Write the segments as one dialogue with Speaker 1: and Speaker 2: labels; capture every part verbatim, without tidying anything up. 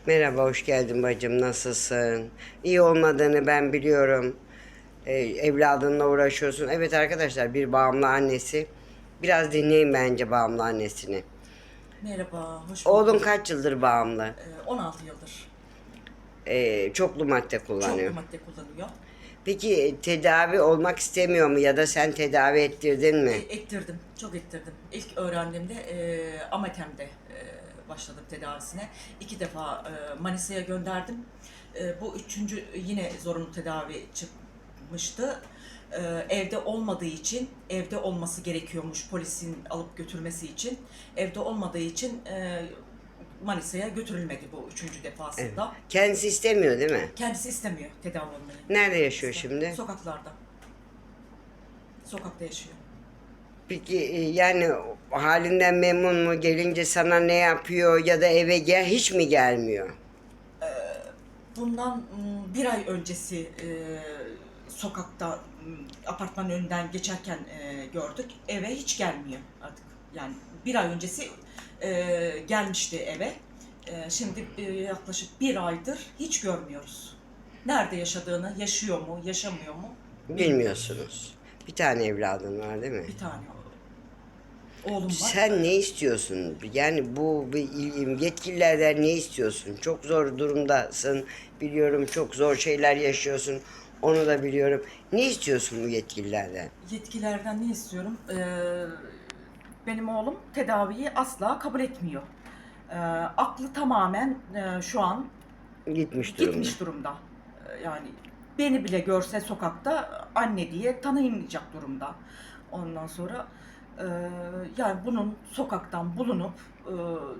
Speaker 1: Merhaba, hoş geldin bacım. Nasılsın? İyi olmadığını ben biliyorum. Ee, evladınla uğraşıyorsun. Evet arkadaşlar, bir bağımlı annesi. Biraz dinleyin bence bağımlı annesini.
Speaker 2: Merhaba, hoş
Speaker 1: Oğlun
Speaker 2: bulduk.
Speaker 1: kaç yıldır bağımlı?
Speaker 2: Ee, on altı yıldır
Speaker 1: Ee, çoklu madde
Speaker 2: çoklu
Speaker 1: kullanıyor.
Speaker 2: madde kullanıyor.
Speaker 1: Peki e, tedavi olmak istemiyor mu ya da sen tedavi ettirdin
Speaker 2: E,
Speaker 1: mi?
Speaker 2: ettirdim, çok ettirdim. İlk öğrendiğimde e, Amatem'de e, başladım tedavisine. İki defa e, Manisa'ya gönderdim. E, bu üçüncü yine zorunlu tedavi çıkmıştı. E, evde olmadığı için, evde olması gerekiyormuş polisin alıp götürmesi için. Evde olmadığı için e, Manisa'ya götürülmedi bu üçüncü
Speaker 1: Evet.
Speaker 2: defasında.
Speaker 1: Kendisi istemiyor değil mi?
Speaker 2: Kendisi istemiyor tedavi olmayı.
Speaker 1: Nerede yaşıyor
Speaker 2: İster.
Speaker 1: şimdi?
Speaker 2: Sokaklarda. Sokakta yaşıyor.
Speaker 1: Peki e, yani halinden memnun mu? Gelince sana ne yapıyor ya da eve gel hiç mi gelmiyor?
Speaker 2: Bundan mm, bir ay öncesi e, sokakta mm, apartmanın önünden geçerken e, gördük. Eve hiç gelmiyor artık. Yani bir ay öncesi e, gelmişti eve. E, şimdi e, yaklaşık bir aydır hiç görmüyoruz. Nerede yaşadığını, yaşıyor mu, yaşamıyor mu bilmiyoruz.
Speaker 1: Bilmiyorsunuz. Bir tane evladın var değil mi?
Speaker 2: Bir tane oğlum var.
Speaker 1: Sen ne istiyorsun? Yani bu bir il- yetkililerden ne istiyorsun? Çok zor durumdasın. Biliyorum çok zor şeyler yaşıyorsun. Onu da biliyorum. Ne istiyorsun bu yetkililerden?
Speaker 2: Yetkilerden ne istiyorum? Ee, benim oğlum tedaviyi asla kabul etmiyor. Ee, aklı tamamen e, şu an
Speaker 1: Gitmiş durumda.
Speaker 2: gitmiş durumda. Ee, yani beni bile görse sokakta anne diye tanıyamayacak durumda. Ondan sonra e, yani bunun sokaktan bulunup e,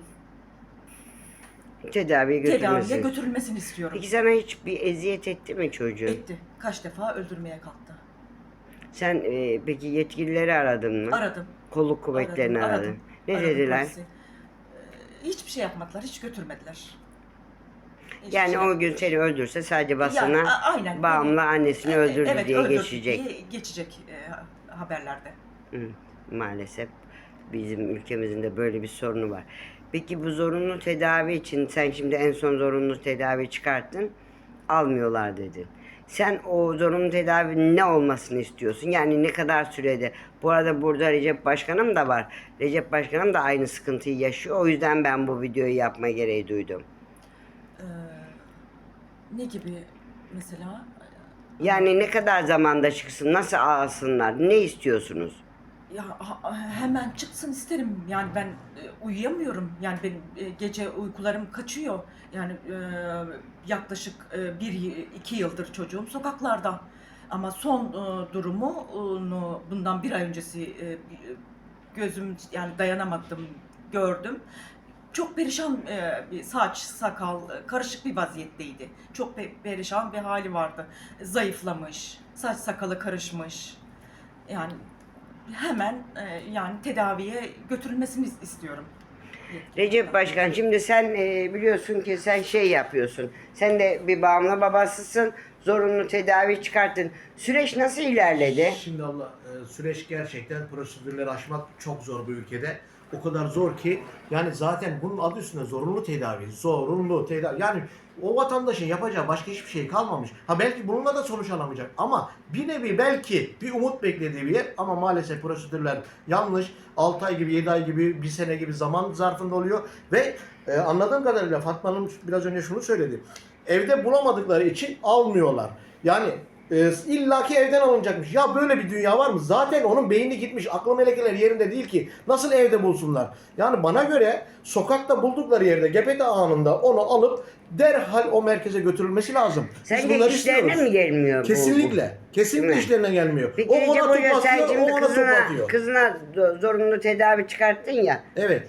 Speaker 1: Tedaviye
Speaker 2: tedaviye
Speaker 1: götürmesin.
Speaker 2: götürülmesini istiyorum.
Speaker 1: Peki sana hiç bir eziyet etti mi çocuğun?
Speaker 2: Etti. Kaç defa öldürmeye kalktı.
Speaker 1: Sen e, peki yetkilileri aradın mı?
Speaker 2: Aradım.
Speaker 1: Kolluk kuvvetlerini
Speaker 2: Aradım,
Speaker 1: aradın.
Speaker 2: aradım.
Speaker 1: Ne
Speaker 2: Aradım
Speaker 1: dediler?
Speaker 2: polisi. Ee, hiçbir şey yapmadılar, hiç götürmediler. Hiçbir
Speaker 1: Yani
Speaker 2: şey
Speaker 1: o gün
Speaker 2: yapmadılar.
Speaker 1: seni öldürse sadece
Speaker 2: Yani,
Speaker 1: basına
Speaker 2: a- aynen,
Speaker 1: bağımlı
Speaker 2: beni-
Speaker 1: annesini
Speaker 2: e-
Speaker 1: öldürdü
Speaker 2: evet,
Speaker 1: diye
Speaker 2: öldürdü
Speaker 1: geçecek.
Speaker 2: diye geçecek e, haberlerde.
Speaker 1: Hı, maalesef bizim ülkemizin de böyle bir sorunu var. Peki bu zorunlu tedavi için sen şimdi en son zorunlu tedavi çıkarttın, almıyorlar dedin. Sen o zorunlu tedavi ne olmasını istiyorsun? Yani ne kadar sürede? Bu arada burada Recep Başkanım da var. Recep Başkanım da aynı sıkıntıyı yaşıyor. O yüzden ben bu videoyu yapma gereği duydum.
Speaker 2: Ee, ne gibi mesela?
Speaker 1: Yani ne kadar zamanda çıksın, nasıl alsınlar, ne istiyorsunuz?
Speaker 2: Ya ha- hemen çıksın isterim. Yani ben e, uyuyamıyorum. Yani benim e, gece uykularım kaçıyor. Yani e, yaklaşık e, bir iki yıldır çocuğum sokaklarda. Ama son e, durumunu bundan bir ay öncesi e, gözüm yani dayanamadım gördüm. Çok perişan e, bir saç, sakal, e, karışık bir vaziyetteydi. Çok pe- perişan bir hali vardı. Zayıflamış, saç sakalı karışmış. Yani hemen e, yani tedaviye götürülmesini istiyorum.
Speaker 1: Recep Başkan, şimdi sen e, biliyorsun ki sen şey yapıyorsun. Sen de bir bağımlı babasısın. Zorunlu tedavi çıkarttın. Süreç nasıl ilerledi?
Speaker 3: Şimdi Allah e, süreç gerçekten prosedürleri aşmak çok zor bu ülkede. O kadar zor ki yani zaten bunun adı üstünde zorunlu tedavi. Zorunlu tedavi. Yani o vatandaşın yapacağı başka hiçbir şey kalmamış. Ha belki bununla da sonuç alamayacak ama bir nevi belki bir umut beklediği bir yer ama maalesef prosedürler yanlış. altı ay gibi, yedi ay gibi, bir sene gibi zaman zarfında oluyor ve e, anladığım kadarıyla Fatma Hanım biraz önce şunu söyledi. Evde bulamadıkları için almıyorlar. Yani e, illaki evden alınacakmış. Ya böyle bir dünya var mı? Zaten onun beyni gitmiş. Aklı melekeler yerinde değil ki. Nasıl evde bulsunlar? Yani bana göre sokakta buldukları yerde gepete anında onu alıp derhal o merkeze götürülmesi lazım. Biz
Speaker 1: Sence
Speaker 3: bunları
Speaker 1: işlerine
Speaker 3: istiyoruz.
Speaker 1: mi gelmiyor bu?
Speaker 3: Kesinlikle. Kesinlikle
Speaker 1: Değil mi?
Speaker 3: işlerine gelmiyor.
Speaker 1: Peki
Speaker 3: O
Speaker 1: Recep
Speaker 3: ona
Speaker 1: Hoca
Speaker 3: top
Speaker 1: sen
Speaker 3: atıyor, o
Speaker 1: şimdi
Speaker 3: ona top
Speaker 1: kızına,
Speaker 3: atıyor.
Speaker 1: kızına do- zorunlu tedavi çıkarttın ya.
Speaker 3: Evet.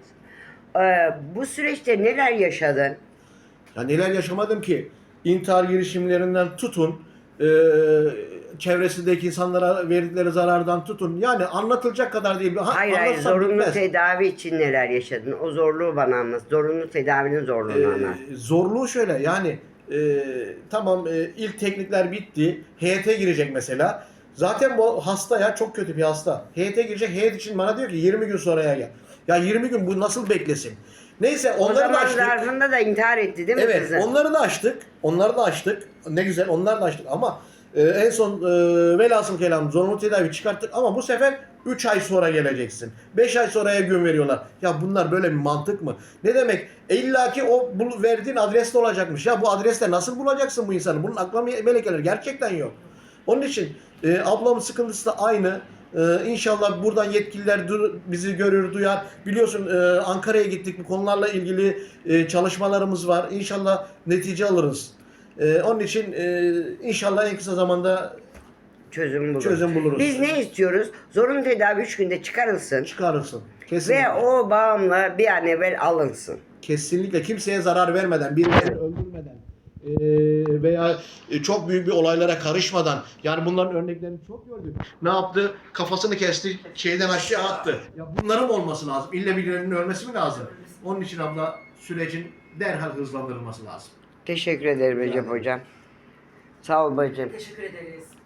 Speaker 1: E, bu süreçte neler yaşadın?
Speaker 3: Ya neler yaşamadım ki? İntihar girişimlerinden tutun, e, çevresindeki insanlara verdikleri zarardan tutun. Yani anlatılacak kadar değil. Ha,
Speaker 1: Hayır hayır,
Speaker 3: anlatsam
Speaker 1: zorunlu
Speaker 3: bitmez.
Speaker 1: tedavi için neler yaşadın? O zorluğu bana anlat. Zorunlu tedavinin zorluğunu anlat.
Speaker 3: Ee, zorluğu şöyle yani e, tamam e, ilk teknikler bitti. Heyete girecek mesela. Zaten bu hasta ya çok kötü bir hasta. Heyete girecek. Heyet için bana diyor ki yirmi gün sonraya gel. Ya yirmi gün bu nasıl beklesin? Neyse
Speaker 1: O
Speaker 3: onları da
Speaker 1: zaman
Speaker 3: açtık.
Speaker 1: zarfında da intihar etti değil mi
Speaker 3: Evet,
Speaker 1: kızın?
Speaker 3: onları da açtık. Onları da açtık. Ne güzel, onları da açtık ama e, en son e, velhasıl kelam zorunlu tedavi çıkarttık ama bu sefer üç ay sonra geleceksin. beş ay sonraya gün veriyorlar. Ya bunlar böyle bir mantık mı? Ne demek? E, İlla ki o bu verdiğin adreste olacakmış. Ya bu adreste nasıl bulacaksın bu insanı? Bunun akla melekeleri gerçekten yok. Onun için e, ablamın sıkıntısı da aynı. Ee, inşallah buradan yetkililer dur, bizi görür, duyar. Biliyorsun e, Ankara'ya gittik. Bu konularla ilgili e, çalışmalarımız var. İnşallah netice alırız. E, onun için e, inşallah en kısa zamanda
Speaker 1: Çözüm buluruz.
Speaker 3: çözüm buluruz.
Speaker 1: Biz ne istiyoruz? Zorunlu tedavi üç günde çıkarılsın.
Speaker 3: Çıkarırsın. Kesinlikle.
Speaker 1: Ve o bağımlı bir an evvel alınsın.
Speaker 3: Kesinlikle kimseye zarar vermeden, birilerini öldürmeden e, veya e, çok büyük bir olaylara karışmadan, yani bunların örneklerini çok gördük. Ne yaptı? Kafasını kesti, şeyden aşağı attı. Ya bunların olması lazım. İlle birilerinin ölmesi mi lazım? Onun için abla sürecin derhal hızlandırılması lazım.
Speaker 1: Teşekkür ederim Recep
Speaker 3: ederim.
Speaker 1: Hocam. Sağ ol bacım.
Speaker 2: Teşekkür ederiz.